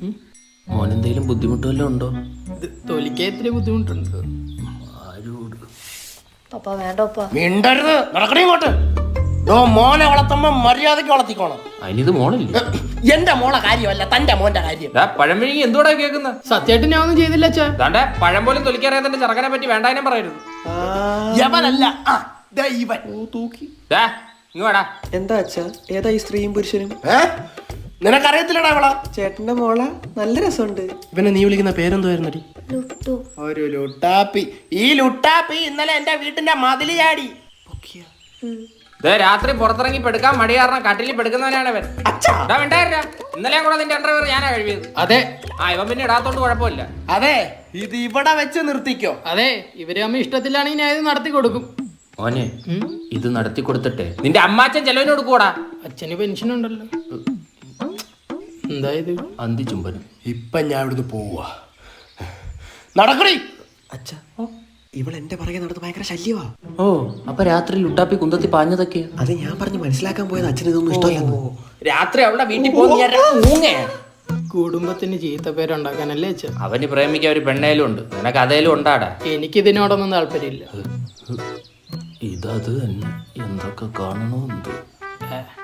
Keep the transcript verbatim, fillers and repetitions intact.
മോനെന്തേലും ബുദ്ധിമുട്ടുവല്ലോ ഉണ്ടോ? തൊലിക്കാൻ ഇത്തിരി ബുദ്ധിമുട്ടുണ്ട്. ആരോട് പപ്പ വേണ്ട പപ്പ. മിണ്ടരുത്, നടക്കണേ ഇങ്ങോട്ട്. ഓ മോനെ വളർത്തുമ്പോ മര്യാദക്ക് വളർത്തിക്കോണം. അതിനിത് മോളില്ല. എന്റെ മോളെ കാര്യമല്ല, തന്റെ മോന്റെ കാര്യം. പഴം വിഴുങ്ങി എന്തോടാ കേൾക്കുന്നത്? സത്യമായിട്ട് ഞാൻ ഒന്നും ചെയ്തില്ല അച്ഛാ. ദാണ്ടെ പഴം പോലും തൊലിക്കറിയാതെ ചെറുക്കനെ പറ്റി വേണ്ടാനും പറയരുത്. യവനല്ല, ആ, ദേ ഇവൻ. തൂക്കി. ദാ, ഇങ്ങ് വാടാ. എന്താ അച്ഛാ, ഏതാ ഈ സ്ത്രീയും പുരുഷനും? ഏ? നിനക്കറിയത്തില്ലടാ അവളാ? ചേട്ടന്റെ മോള നല്ല രസമുണ്ട്. ഇവനെ നീ വിളിക്കുന്ന പേരെന്തുവായിരുന്നടി? ലുട്ടു. ഒരു ലുട്ടാപ്പി. ഈ ലുട്ടാപ്പി ഇന്നലെ എന്റെ വീട്ടിന്റെ മതില് ചാടി. ദേ, രാത്രി പുറത്തിറങ്ങി പെടുക്കാൻ മടി കാരണം കട്ടിലിൽ പെടുക്കുന്നവനാണ് അവൻ. വേണ്ടായിരുന്ന ഇന്നലെ കൂടെ നിന്റെ അണ്ടർവെയർ ഞാനാ കഴിവിയത്. അതെ. ആ, ഇവൻ പിന്നെ ഇടാത്തോണ്ട് കുഴപ്പമില്ല. അതെ, ഇത് ഇവിടെ വെച്ച് നിർത്തിക്കോ. അതെ, ഇവര് അമ്മ ഇഷ്ടത്തിലാണെങ്കിൽ ഞാൻ ഇത് നടത്തി കൊടുക്കും. മോനെ, ഇത് നടത്തി കൊടുത്തിട്ടെ നിന്റെ അമ്മാച്ചൻ ചെലവിന് കൊടുക്കൂടാ. അച്ഛന് പെൻഷൻ ഉണ്ടല്ലോ. എന്തായത്? അന്തി ചുംബനം. ഇപ്പൊ ഞാൻ ഇവിടുന്ന് പോവാ. നടക്കണേ. അച്ഛാ, ഇവൾ എന്റെ പുറകെ നടന്ന് ഭയങ്കര ശല്യവാ. ഓ, അപ്പൊ രാത്രി ലുട്ടാപ്പി കുന്തത്തി പാഞ്ഞതൊക്കെ അത് ഞാൻ പറഞ്ഞ് മനസ്സിലാക്കാൻ പോയത് അച്ഛന് ഇതൊന്നും ഇഷ്ടമല്ലെന്ന്. രാത്രി അവളുടെ വീട്ടിൽ പോകുന്ന കുടുംബത്തിന് ചീത്ത പേരുണ്ടാക്കാനല്ലേ അച്ഛൻ? അവന് പ്രേമിക്കാൻ ഒരു പെണ്ണേലും ഉണ്ട്, നിനക്ക് അതേലും ഉണ്ടാടാ. എനിക്കിതിനോടൊന്നും താല്പര്യമില്ല. ഇതത് തന്നെ എന്തൊക്കെ കാണണമെന്നുണ്ട്.